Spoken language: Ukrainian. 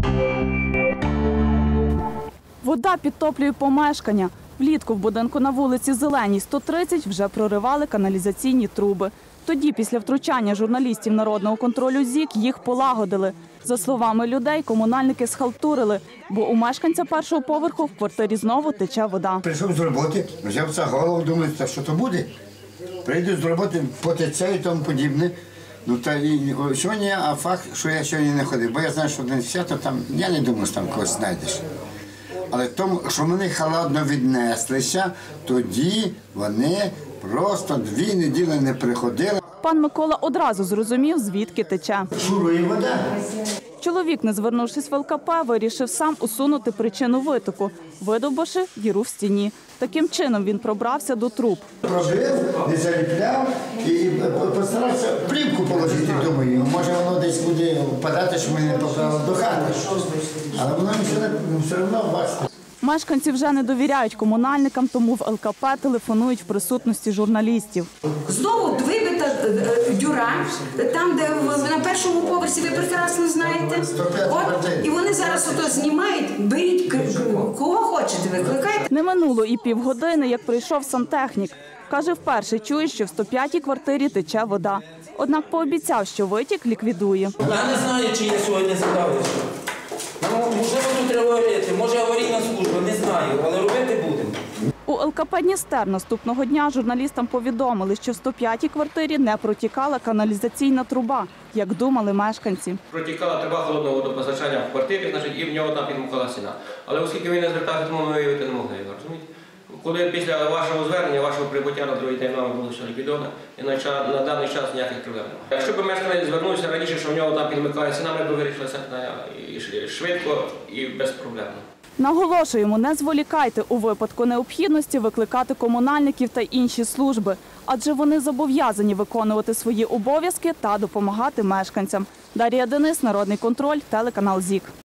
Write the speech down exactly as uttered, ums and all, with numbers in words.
Вода підтоплює помешкання. Влітку в будинку на вулиці Зеленій, сто тридцять, вже проривали каналізаційні труби. Тоді, після втручання журналістів народного контролю ЗІК, їх полагодили. За словами людей, комунальники схалтурили, бо у мешканця першого поверху в квартирі знову тече вода. Прийшов з роботи, взяв за голову, думаю, та що то буде? Прийду з роботи, потече і тому подібне. Ну, та і сьогодні, а факт, що я сьогодні не ходив, бо я знаю, що один свято там, я не думаю, що там когось знайдеш. Але тому, що вони халатно віднеслися, тоді вони просто дві неділі не приходили. Пан Микола одразу зрозумів, звідки тече. Шурує вода. Чоловік, не звернувшись в ел ка пе, вирішив сам усунути причину витоку, видовбавши діру в стіні. Таким чином він пробрався до труб. Пробив, не заліпляв і постарався плівку положити, думаю, може воно десь буде впадати, що ми не поправили до хати. Але воно все одно бачите. Мешканці вже не довіряють комунальникам, тому в ел ка пе телефонують в присутності журналістів. Знову вибита дюра, там, де на першому поверсі, ви прекрасно знаєте. От, і вони зараз ото знімають, беріть кого хочете, викликайте. Не минуло і півгодини, як прийшов сантехнік. Каже, вперше чує, що в сто п'ятій квартирі тече вода. Однак пообіцяв, що витік ліквідує. Я не знаю, чи я сьогодні справився. Можливо, тут треба робити, може аварійна служба, не знаю, але робити будемо. У ел ка пе «Дністер» наступного дня журналістам повідомили, що в сто п'ятій квартирі не протікала каналізаційна труба, як думали мешканці. Протікала труба холодного водопостачання в квартирі, значить, і в нього там підмухала стіна. Але оскільки він не звертався, тому ми виявити не могли його, розумієте? Коли після вашого звернення, вашого прибуття на другий день нами було все ліквідовано, і на, на даний час ніяких проблем немає. Якщо б мешканець звернувся раніше, що в нього там підмикає стіна, ми б вирішили це швидко і безпроблемно. Наголошуємо, не зволікайте у випадку необхідності викликати комунальників та інші служби, адже вони зобов'язані виконувати свої обов'язки та допомагати мешканцям. Дар'я Денис, Народний контроль, телеканал ЗІК.